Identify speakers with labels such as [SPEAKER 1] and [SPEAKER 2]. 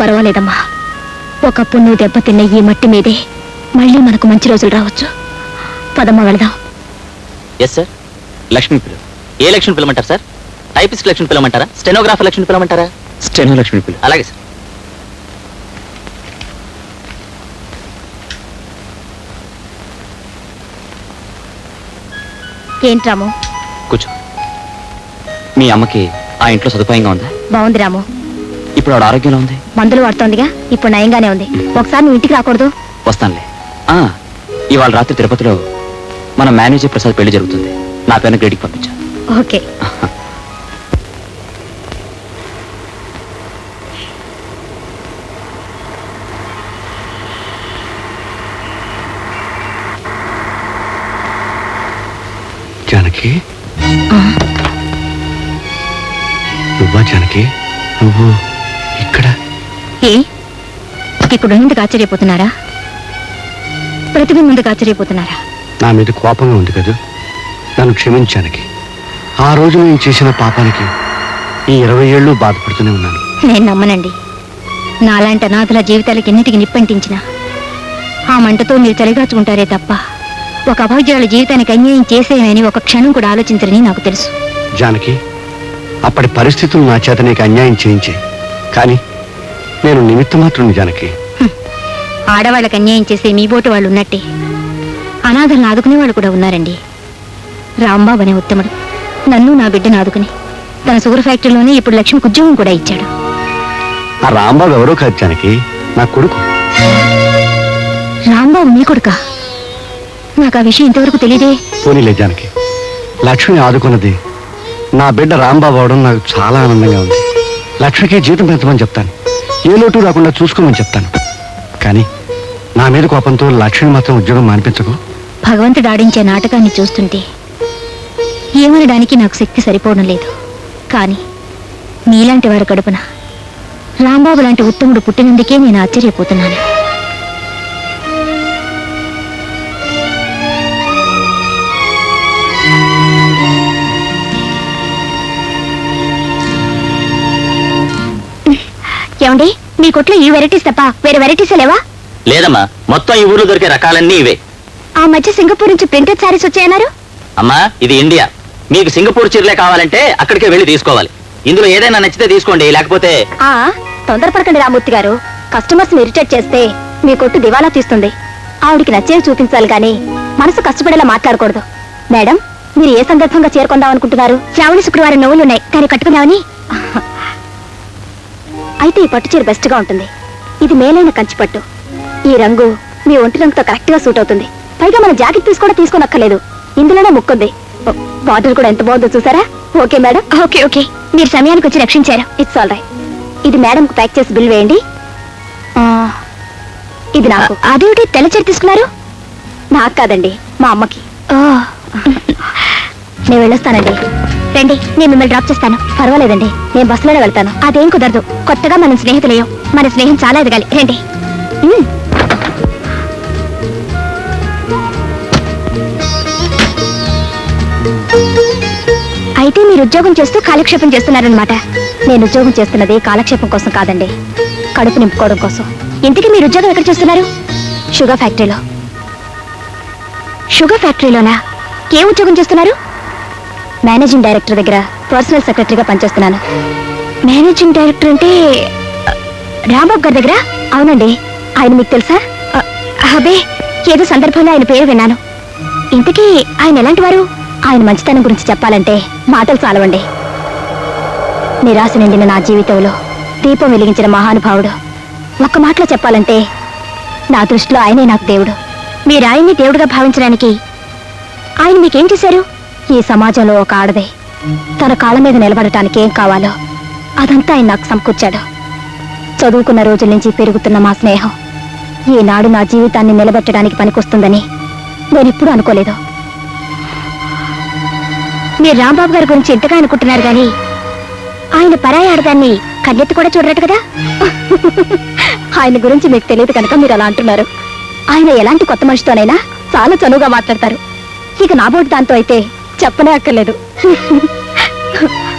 [SPEAKER 1] పర్వాలేదమ్మా. ఒకప్పుడు నువ్వు దెబ్బతిన్న ఈ మట్టి మీదే మళ్ళీ మనకు మంచి రోజులు రావచ్చు. పదమ్మా వెళదాం.
[SPEAKER 2] Yes sir. లక్ష్మి పిల్ల. ఏ లక్ష్మి పిల్లమంటారు సార్? టైపిస్ట్ లక్ష్మి పిల్లమంటారా? స్టెనోగ్రాఫర్ లక్ష్మి పిల్లమంటారా? స్టెనో లక్ష్మి పిల్ల. అలాగే సార్.
[SPEAKER 1] ఏంటి రాము?
[SPEAKER 2] కూర్చో. మీ అమ్మకి ఆ ఇంట్లో సదుపాయంగా ఉందా?
[SPEAKER 1] బాగుంది రాము.
[SPEAKER 2] ఇప్పుడు ఆవిడ ఆరోగ్యంలో ఉంది?
[SPEAKER 1] మందులు వాడుతోందిగా, ఇప్పుడు నయంగానే ఉంది. ఒకసారి నువ్వు ఇంటికి రాకూడదు?
[SPEAKER 2] వస్తానులే. ఇవాళ రాత్రి తిరుపతిలో మన మేనేజర్ ప్రసాద్ పెళ్లి జరుగుతుంది. నా పేరున గ్రేడికి పంపించా.
[SPEAKER 1] ఓకే.
[SPEAKER 3] జానకి, నువ్వా జానకి? నువ్వు ఇక్కడ?
[SPEAKER 1] ఇప్పుడు ముందుకు ఆశ్చర్యపోతున్నారా? ప్రతిభ ముందుకు ఆశ్చర్యపోతున్నారా?
[SPEAKER 3] నా మీద కోపంగా ఉంది కదా, నన్ను క్షమించానికి. ఆ రోజు నేను చేసిన పాపానికి ఈ 20 ఏళ్ళు బాధపడుతూనే ఉన్నాను.
[SPEAKER 1] నేను నమ్మనండి. నాలాంటి అనాథల జీవితాలకి ఎన్నిటికి నిప్పంటించిన ఆ మంటతో మీరు చలిగాచుకుంటారే తప్ప ఒక అభాగ్యురాల జీవితానికి అన్యాయం చేసేయని ఒక క్షణం కూడా ఆలోచించరని నాకు తెలుసు.
[SPEAKER 3] జానకి, అప్పటి పరిస్థితులు నా చేత నీకు అన్యాయం చేయించే, కానీ నేను నిమిత్త మాత్రం. జానకి,
[SPEAKER 1] ఆడవాళ్ళకి అన్యాయం చేసే మీ బోటు వాళ్ళు ఉన్నట్టే అనాథలను ఆదుకునే వాళ్ళు కూడా ఉన్నారండి. రాంబాబు అనే ఉత్తముడు నన్ను నా బిడ్డను ఆదుకుని తన షుగర్ ఫ్యాక్టరీలోనే ఇప్పుడు లక్ష్మికి ఉద్యోగం కూడా ఇచ్చాడు.
[SPEAKER 3] ఆ రాంబాబు ఎవరో కాదు జానకి, నా కొడుకు.
[SPEAKER 1] రాంబాబు మీ కొడుకా? నాకు ఆ విషయం ఇంతవరకు తెలియదే.
[SPEAKER 3] పోనీలే జానకి, లక్ష్మిని ఆదుకున్నది నా బిడ్డ రాంబాబు అవడం నాకు చాలా ఆనందంగా ఉంది. లక్ష్మికి జీతం పెంచమని చెప్తాను, ఏ లోటు రాకుండా చూసుకోమని చెప్తాను. కానీ నా మీద కోపంతో లక్ష్మిని మాత్రం ఉద్యోగం మానిపించకు.
[SPEAKER 1] భగవంతుడు ఆడించే నాటకాన్ని చూస్తుంటే ఏమనడానికి నాకు శక్తి సరిపోవడం లేదు. కానీ మీలాంటి వారి కడుపున రాంబాబు లాంటి ఉత్తముడు పుట్టినందుకే నేను ఆశ్చర్యపోతున్నాను. ఏమండి, మీ కొట్లో ఈ వెరైటీస్ తప్ప వేరే వెరైటీస్ లేవా?
[SPEAKER 2] లేదమ్మా, మొత్తం ఈ ఊర్లో దొరికే రకాలన్నీ ఇవే.
[SPEAKER 1] ఆ మధ్య సింగపూర్ నుంచి ప్రింటెడ్ శారీస్ వచ్చాయన్నారు.
[SPEAKER 2] అమ్మా, ఇది ఇండియా. మీకు సింగపూర్ చీరలే కావాలంటే అక్కడికే వెళ్ళి తీసుకోవాలి. ఇందులో ఏదైనా నచ్చితే తీసుకోండి, లేకపోతే.
[SPEAKER 1] తొందరపడకండి రామూర్తి గారు. కస్టమర్స్ ఇరిటేట్ చేస్తే మీ కొట్టు దివాలా తీస్తుంది. ఆవిడికి నచ్చేవి చూపించాలి కానీ మనసు కష్టపడేలా మాట్లాడకూడదు. మేడం, మీరు ఏ సందర్భంగా చేరుకుందాం అనుకుంటున్నారు? శ్రావణి శుక్రవారం నవ్వులున్నాయి, కానీ కట్టుకుందామని. అయితే ఈ పట్టు చీర బెస్ట్ గా ఉంటుంది. ఇది మేలైన కంచి పట్టు. ఈ రంగు మీ ఒంటి రంగుతో కరెక్ట్ గా సూట్ అవుతుంది. పైగా మన జాకెట్ తీసుకోనక్కర్లేదు, ఇందులోనే ముక్కుంది. బార్డర్ కూడా ఎంత బాగుందో చూసారా? Okay madam. ఓకే ఓకే, మీరు సమయానికి వచ్చి రక్షించారు. It's all right. ఇది మేడం కు ప్యాక్ చేసి బిల్ వేయండి. ఇది నాకు. అదేమిటి తెల్ల చీర తీసుకున్నారు? నాకు కాదండి, మా అమ్మకి. నేను వెళ్ళొస్తానండి. రండి, నేను మిమ్మల్ని డ్రాప్ చేస్తాను. పర్వాలేదండి, నేను బస్సులోనే వెళ్తాను. అదేం కుదరదు. కొత్తగా మనం స్నేహితులేయం. మన స్నేహం చాలా ఎదగాలి. రండి. అయితే మీరు ఉద్యోగం చేస్తూ కాలక్షేపం చేస్తున్నారనమాట. నేను ఉద్యోగం చేస్తున్నది కాలక్షేపం కోసం కాదండి, కడుపు నింపుకోవడం కోసం. ఇంతకీ మీరు ఉద్యోగం ఎక్కడ చేస్తున్నారు? షుగర్ ఫ్యాక్టరీలో. షుగర్ ఫ్యాక్టరీలోనా? ఏ ఉద్యోగం చేస్తున్నారు? మేనేజింగ్ డైరెక్టర్ దగ్గర పర్సనల్ సెక్రటరీగా పనిచేస్తున్నాను. మేనేజింగ్ డైరెక్టర్ అంటే రాంబాబు గారి దగ్గర? అవునండి. ఆయన మీకు తెలుసా? అబ్బే, ఏదో సందర్భంలో ఆయన పేరు విన్నాను. ఇంతకీ ఆయన ఎలాంటి వారు? ఆయన మంచితనం గురించి చెప్పాలంటే మాటలు చాలవండి. నిరాశ నిండిన నా జీవితంలో దీపం వెలిగించిన మహానుభావుడు. ఒక్క మాటలో చెప్పాలంటే నా దృష్టిలో ఆయనే నాకు దేవుడు. మీరు ఆయన్ని దేవుడుగా భావించడానికి ఆయన మీకేం చేశారు? ఈ సమాజంలో ఒక ఆడదే తన కాళ్ళ మీద నిలబడటానికి ఏం కావాలో అదంతా ఆయన నాకు సమకూర్చాడు. చదువుకున్న రోజుల నుంచి పెరుగుతున్న మా స్నేహం ఈనాడు నా జీవితాన్ని నిలబెట్టడానికి పనికొస్తుందని నేనెప్పుడూ అనుకోలేదు. మీరు రాంబాబు గారి గురించి ఎంతగా అనుకుంటున్నారు కానీ ఆయన పరాయి ఆడదాన్ని కన్నెత్తి కూడా చూడరట కదా. ఆయన గురించి మీకు తెలియదు కనుక మీరు అలా అంటున్నారు. ఆయన ఎలాంటి కొత్త మనిషితోనైనా చాలా చనువుగా మాట్లాడతారు. ఇక నా బోటు దాంతో అయితే చెప్పనే అక్కర్లేదు.